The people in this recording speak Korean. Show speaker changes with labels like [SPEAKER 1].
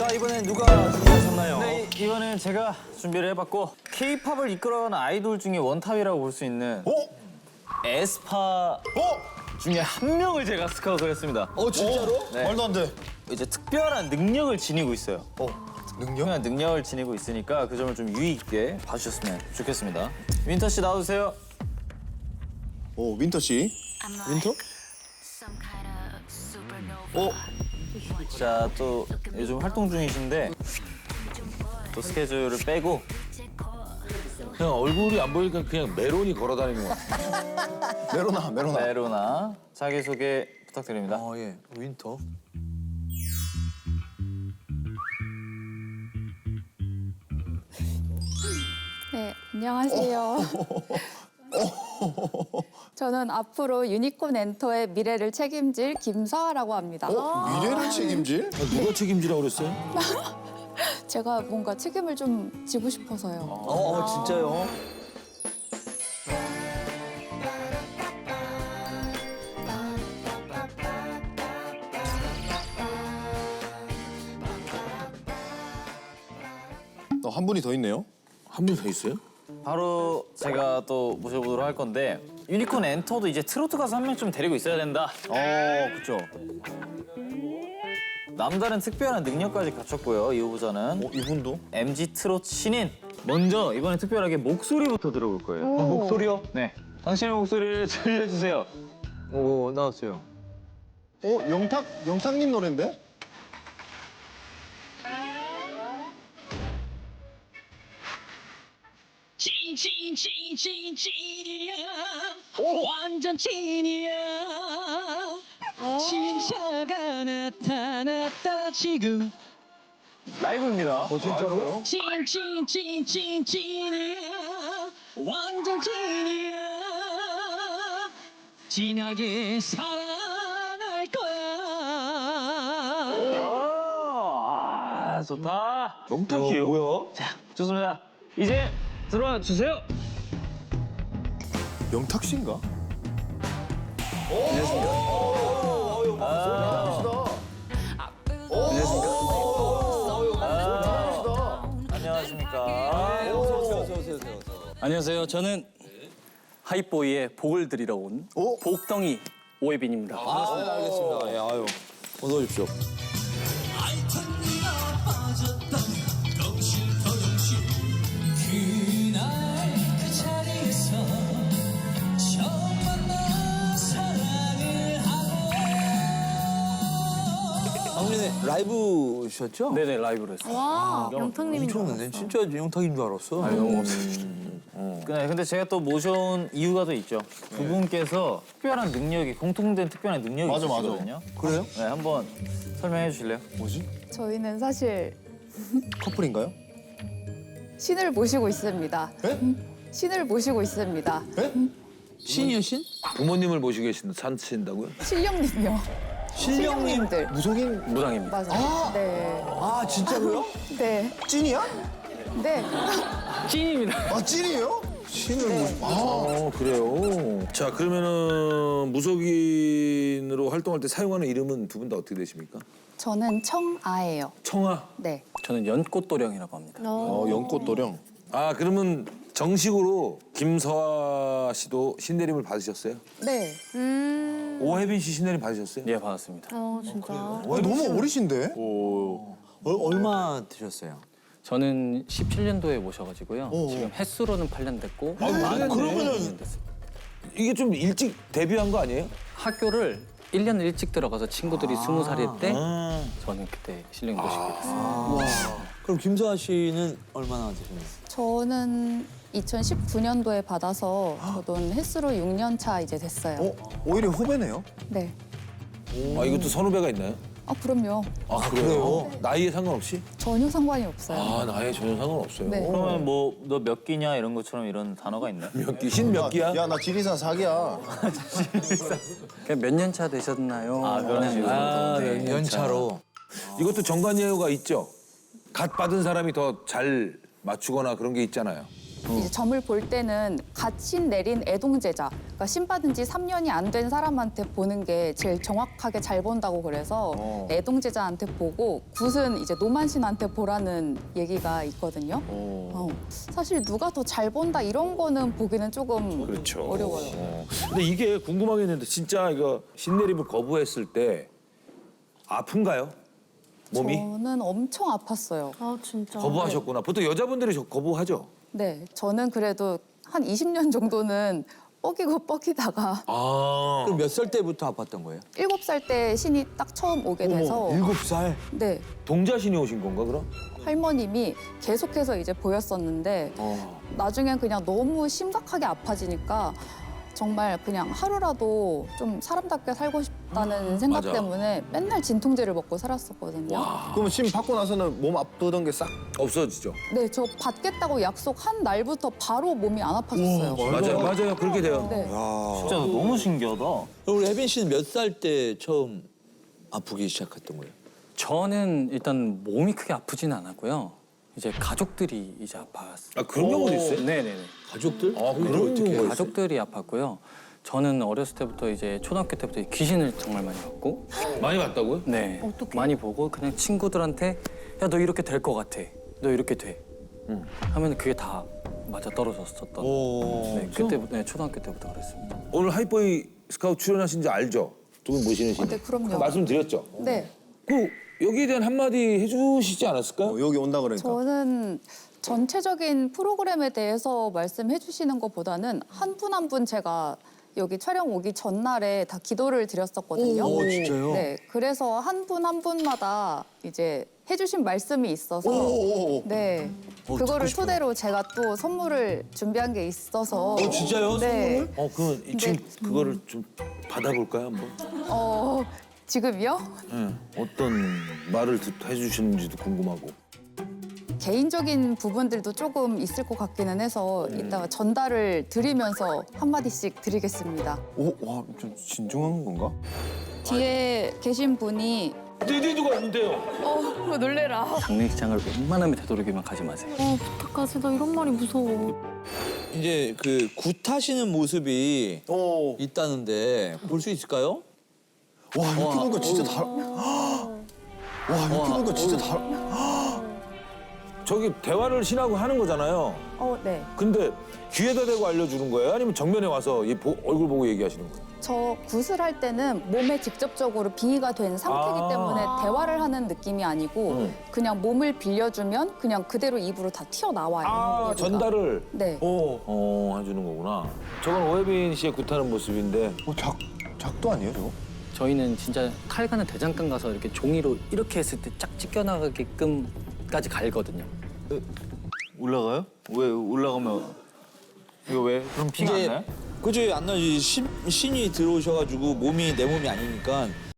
[SPEAKER 1] 자, 이번엔 누가 준비하셨나요?
[SPEAKER 2] 네, 이번엔 제가 준비를 해봤고 K-팝을 이끌어가는 아이돌 중에 원탑이라고 볼 수 있는 에스파 중에 한 명을 제가 스카우트를 했습니다.
[SPEAKER 1] 진짜로?
[SPEAKER 2] 네.
[SPEAKER 1] 말도 안 돼.
[SPEAKER 2] 이제 특별한 능력을 지니고 있어요.
[SPEAKER 1] 능력?
[SPEAKER 2] 특별한 능력을 지니고 있으니까 그 점을 좀 유의 있게 봐주셨으면 좋겠습니다. 윈터 씨 나와주세요.
[SPEAKER 1] 오, 윈터 씨. 윈터?
[SPEAKER 2] 자, 또 요즘 활동 중이신데 또 스케줄을 빼고
[SPEAKER 3] 그냥 얼굴이 안 보이니까 그냥 메론이 걸어다니는 것 같아.
[SPEAKER 1] 메로나.
[SPEAKER 2] 메로나 자기소개 부탁드립니다.
[SPEAKER 1] 예. 윈터.
[SPEAKER 4] 네, 안녕하세요. 저는 앞으로 유니콘 엔터의 미래를 책임질 김서아라고 합니다.
[SPEAKER 1] 미래를 책임질?
[SPEAKER 3] 누가 책임지라고 그랬어요?
[SPEAKER 4] 제가 뭔가 책임을 좀 지고 싶어서요.
[SPEAKER 1] 진짜요? 한 분이 더 있네요.
[SPEAKER 3] 한 분 더 있어요?
[SPEAKER 2] 바로 제가 또 모셔보도록 할 건데 유니콘 엔터도 이제 트로트 가수 한 명쯤 데리고 있어야 된다.
[SPEAKER 1] 그쵸.
[SPEAKER 2] 남다른 특별한 능력까지 갖췄고요. 이 후보자는
[SPEAKER 1] 이분도?
[SPEAKER 2] MG 트로트 신인. 먼저 이번에 특별하게 목소리부터 들어볼 거예요.
[SPEAKER 1] 목소리요?
[SPEAKER 2] 네, 당신의 목소리를 들려주세요.
[SPEAKER 1] 오, 나왔어요. 영탁님 노래인데?
[SPEAKER 5] 찐이야 완전 찐이야 진짜가 나타났다 지금
[SPEAKER 2] 라이브입니다.
[SPEAKER 1] 진짜로요?
[SPEAKER 5] 찐이야 완전 찐이야 진하게 사랑할 거야
[SPEAKER 2] 아, 좋다.
[SPEAKER 3] 영탁이요? 뭐야?
[SPEAKER 2] 좋습니다. 이제 들어와 주세요.
[SPEAKER 1] 영탁 씨인가?
[SPEAKER 2] 안녕하십니까.
[SPEAKER 6] 안녕하세요. 저는 하이보이의 복을 드리러 온 복덩이 오예빈입니다.
[SPEAKER 1] 알겠습니다. 예, 아유. 어서 오십시오.
[SPEAKER 7] 작년에 라이브셨죠?
[SPEAKER 6] 네네, 라이브로 했어요.
[SPEAKER 4] 와, 영탁님인 줄
[SPEAKER 7] 엄청났네. 진짜 영탁인 줄 알았어.
[SPEAKER 6] 너무 없어요.
[SPEAKER 2] 근데 제가 또 모셔온 이유가 또 있죠. 두 분께서 특별한 능력이 공통된 특별한 능력이
[SPEAKER 1] 맞아.
[SPEAKER 2] 있으시거든요. 그래요? 네, 한번 설명해 주실래요?
[SPEAKER 1] 뭐지?
[SPEAKER 4] 저희는 사실
[SPEAKER 1] 커플인가요?
[SPEAKER 4] 신을 모시고 있습니다.
[SPEAKER 1] 에?
[SPEAKER 4] 신을 모시고 있습니다.
[SPEAKER 7] 신이요, 신?
[SPEAKER 3] 부모님을 모시고 산친다고요?
[SPEAKER 4] 신령님이요. 신령님들.
[SPEAKER 1] 무속인
[SPEAKER 6] 무당입니다.
[SPEAKER 4] 맞아요. 네.
[SPEAKER 1] 아, 진짜로요?
[SPEAKER 4] 네.
[SPEAKER 1] 찐이야?
[SPEAKER 4] 네.
[SPEAKER 6] 찐입니다.
[SPEAKER 1] 아, 찐이에요? 신을 아,
[SPEAKER 3] 그래요. 자, 그러면은 무속인으로 활동할 때 사용하는 이름은 두 분 다 어떻게 되십니까?
[SPEAKER 4] 저는 청아예요.
[SPEAKER 3] 청아.
[SPEAKER 4] 네.
[SPEAKER 6] 저는 연꽃도령이라고 합니다.
[SPEAKER 1] 연꽃도령.
[SPEAKER 3] 아, 그러면 정식으로 김서아 씨도 신내림을 받으셨어요?
[SPEAKER 4] 네.
[SPEAKER 3] 오혜빈 씨 신내림 받으셨어요?
[SPEAKER 6] 예, 반갑습니다.
[SPEAKER 1] 너무 어리신데?
[SPEAKER 7] 얼마 드셨어요?
[SPEAKER 6] 저는 17년도에 모셔가지고요. 지금 횟수로는 8년 됐고
[SPEAKER 3] 그러면은-
[SPEAKER 6] 2년 됐어요.
[SPEAKER 3] 이게 좀 일찍 데뷔한 거 아니에요?
[SPEAKER 6] 학교를 1년 일찍 들어가서 친구들이 20살일 때 저는 그때 실력 모시게 됐어요.
[SPEAKER 7] 그럼 김서아 씨는 얼마나 드셨나요?
[SPEAKER 4] 저는 2019년도에 받아서 저도 횟수로 6년 차 이제 됐어요.
[SPEAKER 1] 오히려 후배네요.
[SPEAKER 4] 네.
[SPEAKER 3] 아, 이것도 선후배가 있나요?
[SPEAKER 4] 아, 그럼요.
[SPEAKER 3] 아, 그래요? 나이에 상관없이?
[SPEAKER 4] 전혀 상관이 없어요.
[SPEAKER 3] 아, 나이에 전혀 상관없어요.
[SPEAKER 4] 네.
[SPEAKER 2] 그러면 뭐 너 몇 끼냐 이런 것처럼 이런 단어가 있나요?
[SPEAKER 3] 몇 끼? 신 몇 끼야?
[SPEAKER 1] 야, 나 지리산 4기야.
[SPEAKER 6] 몇 년 차 되셨나요?
[SPEAKER 2] 아, 그런 식으로.
[SPEAKER 3] 아,
[SPEAKER 7] 네, 연차로.
[SPEAKER 3] 이것도 정관예우가 있죠. 갓 받은 사람이 더 잘 맞추거나 그런 게 있잖아요.
[SPEAKER 4] 이제 점을 볼 때는 갓신 내린 애동제자, 그러니까 신 받은 지 3년이 안 된 사람한테 보는 게 제일 정확하게 잘 본다고 그래서 애동제자한테 보고 굿은 이제 노만신한테 보라는 얘기가 있거든요. 사실 누가 더 잘 본다 이런 거는 보기는 조금
[SPEAKER 3] 그렇죠.
[SPEAKER 4] 어려워요.
[SPEAKER 3] 근데 이게 궁금하겠는데 진짜 이거 신내림을 거부했을 때 아픈가요? 몸이?
[SPEAKER 4] 저는 엄청 아팠어요.
[SPEAKER 8] 아 진짜.
[SPEAKER 3] 거부하셨구나. 보통 여자분들이 거부하죠.
[SPEAKER 4] 네, 저는 그래도 한 20년 정도는 뻐기다가
[SPEAKER 3] 아.
[SPEAKER 7] 그럼 몇 살 때부터 아팠던 거예요?
[SPEAKER 4] 7살 때 신이 딱 처음 오게 돼서
[SPEAKER 7] 7살?
[SPEAKER 4] 네,
[SPEAKER 3] 동자신이 오신 건가 그럼?
[SPEAKER 4] 할머님이 계속해서 이제 보였었는데 나중엔 그냥 너무 심각하게 아파지니까 정말 그냥 하루라도 좀 사람답게 살고 싶다는 생각
[SPEAKER 3] 맞아.
[SPEAKER 4] 때문에 맨날 진통제를 먹고 살았었거든요.
[SPEAKER 1] 그럼 신 받고 나서는 몸 아프던 게 싹.
[SPEAKER 3] 없어지죠.
[SPEAKER 4] 네, 저 받겠다고 약속한 날부터 바로 몸이 안 아파졌어요.
[SPEAKER 3] 맞아요. 그렇게 돼요.
[SPEAKER 4] 네.
[SPEAKER 2] 진짜 너무 신기하다.
[SPEAKER 7] 그럼 우리 혜빈 씨는 몇 살 때 처음 아프기 시작했던 거예요?
[SPEAKER 6] 저는 일단 몸이 크게 아프지는 않았고요. 이제 가족들이 이제 아팠어요.
[SPEAKER 3] 아 그런 경우도 있어요?
[SPEAKER 6] 네네네.
[SPEAKER 7] 가족들?
[SPEAKER 3] 아 그런 경우가 있어요?
[SPEAKER 6] 가족들이 아팠고요. 저는 어렸을 때부터 이제 초등학교 때부터 귀신을 정말 많이 봤고,
[SPEAKER 3] 많이 봤다고요?
[SPEAKER 6] 네, 많이 보고 그냥 친구들한테 야 너 이렇게 될 것 같아, 너 이렇게 돼, 하면 그게 다 맞아 떨어졌었던. 네, 그때부터 네, 초등학교 때부터 그랬습니다.
[SPEAKER 3] 오늘 하이보이 스카우트 출연하신 지 알죠? 두 분 모시는 신.
[SPEAKER 4] 네, 그럼요.
[SPEAKER 3] 말씀드렸죠?
[SPEAKER 4] 네.
[SPEAKER 3] 그 여기에 대한 한마디 해주시지 않았을까요?
[SPEAKER 1] 여기 온다 그러니까.
[SPEAKER 4] 저는 전체적인 프로그램에 대해서 말씀해 주시는 것보다는 한 분 한 분 제가 여기 촬영 오기 전날에 다 기도를 드렸었거든요.
[SPEAKER 7] 오, 진짜요?
[SPEAKER 4] 네, 그래서 한 분 한 분마다 이제 해주신 말씀이 있어서 네, 그거를 토대로 제가 또 선물을 준비한 게 있어서
[SPEAKER 7] 진짜요?
[SPEAKER 4] 네,
[SPEAKER 3] 그럼 지금 그거를 좀 받아볼까요 한번?
[SPEAKER 4] 지금요?
[SPEAKER 3] 네. 어떤 말을 해주시는지도 궁금하고.
[SPEAKER 1] 개인적인 부분들도 조금 있을 것 같기는 해서 이따가 전달을 드리면서 한마디씩 드리겠습니다.
[SPEAKER 3] 오, 와, 좀 진중한 건가?
[SPEAKER 4] 뒤에 계신 분이
[SPEAKER 3] 디디두가 있는데요.
[SPEAKER 4] 놀래라.
[SPEAKER 6] 장례식장을 웬만하면 되도록이면 가지 마세요.
[SPEAKER 8] 부탁하지, 나 이런 말이 무서워.
[SPEAKER 7] 이제 그 굿하시는 모습이 있다는데 볼 수 있을까요?
[SPEAKER 1] 와 이렇게 보니까 진짜 달. 와 이렇게 보니까 진짜 달.
[SPEAKER 3] 저기 대화를 신하고 하는 거잖아요.
[SPEAKER 4] 네.
[SPEAKER 3] 근데 귀에다 대고 알려주는 거예요? 아니면 정면에 와서 얼굴 보고 얘기하시는 거예요?
[SPEAKER 4] 저 굿을 할 때는 몸에 직접적으로 빙의가 된 상태이기 때문에 대화를 하는 느낌이 아니고 그냥 몸을 빌려주면 그냥 그대로 입으로 다 튀어나와요. 얘기가.
[SPEAKER 3] 전달을
[SPEAKER 4] 네.
[SPEAKER 3] 해주는 거구나. 저건 오혜빈 씨의 굿하는 모습인데
[SPEAKER 1] 작도 아니에요 저거?
[SPEAKER 6] 저희는 진짜 칼가는 대장간 가서 이렇게 종이로 이렇게 했을 때 쫙 찢겨나가게끔까지 갈거든요.
[SPEAKER 2] 올라가요? 왜 올라가면 이거 왜? 그럼 피가 안 나요?
[SPEAKER 7] 그지 안 나지. 신이 들어오셔가지고 내 몸이 아니니까